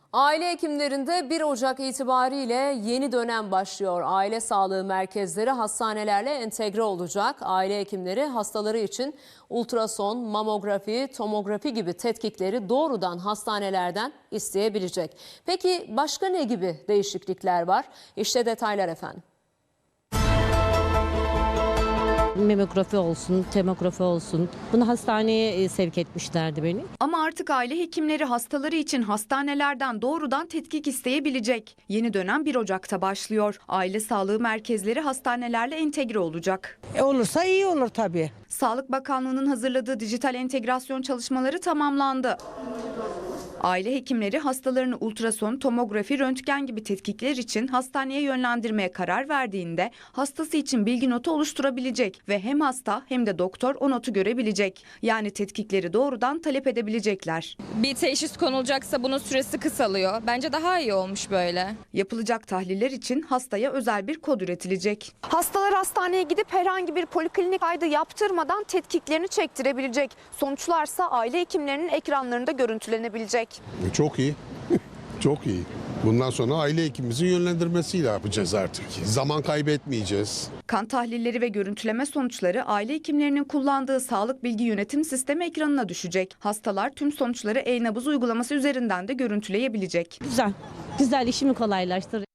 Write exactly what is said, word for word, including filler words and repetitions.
Aile hekimlerinde bir Ocak itibariyle yeni dönem başlıyor. Aile sağlığı merkezleri hastanelerle entegre olacak. Aile hekimleri hastaları için ultrason, mamografi, tomografi gibi tetkikleri doğrudan hastanelerden isteyebilecek. Peki başka ne gibi değişiklikler var? İşte detaylar efendim. Memografi olsun, tomografi olsun. Bunu hastaneye sevk etmişlerdi beni. Ama artık aile hekimleri hastaları için hastanelerden doğrudan tetkik isteyebilecek. Yeni dönem bir Ocak'ta başlıyor. Aile sağlığı merkezleri hastanelerle entegre olacak. E olursa iyi olur tabii. Sağlık Bakanlığı'nın hazırladığı dijital entegrasyon çalışmaları tamamlandı. Aile hekimleri hastalarını ultrason, tomografi, röntgen gibi tetkikler için hastaneye yönlendirmeye karar verdiğinde hastası için bilgi notu oluşturabilecek ve hem hasta hem de doktor o notu görebilecek. Yani tetkikleri doğrudan talep edebilecekler. Bir teşhis konulacaksa bunun süresi kısalıyor. Bence daha iyi olmuş böyle. Yapılacak tahliller için hastaya özel bir kod üretilecek. Hastalar hastaneye gidip herhangi bir poliklinik kaydı yaptırmadan tetkiklerini çektirebilecek. Sonuçlarsa aile hekimlerinin ekranlarında görüntülenebilecek. Çok iyi. Çok iyi. Bundan sonra aile hekimimizin yönlendirmesiyle yapacağız artık. Zaman kaybetmeyeceğiz. Kan tahlilleri ve görüntüleme sonuçları aile hekimlerinin kullandığı sağlık bilgi yönetim sistemi ekranına düşecek. Hastalar tüm sonuçları e-nabız uygulaması üzerinden de görüntüleyebilecek. Güzel, güzel işimi kolaylaştırır.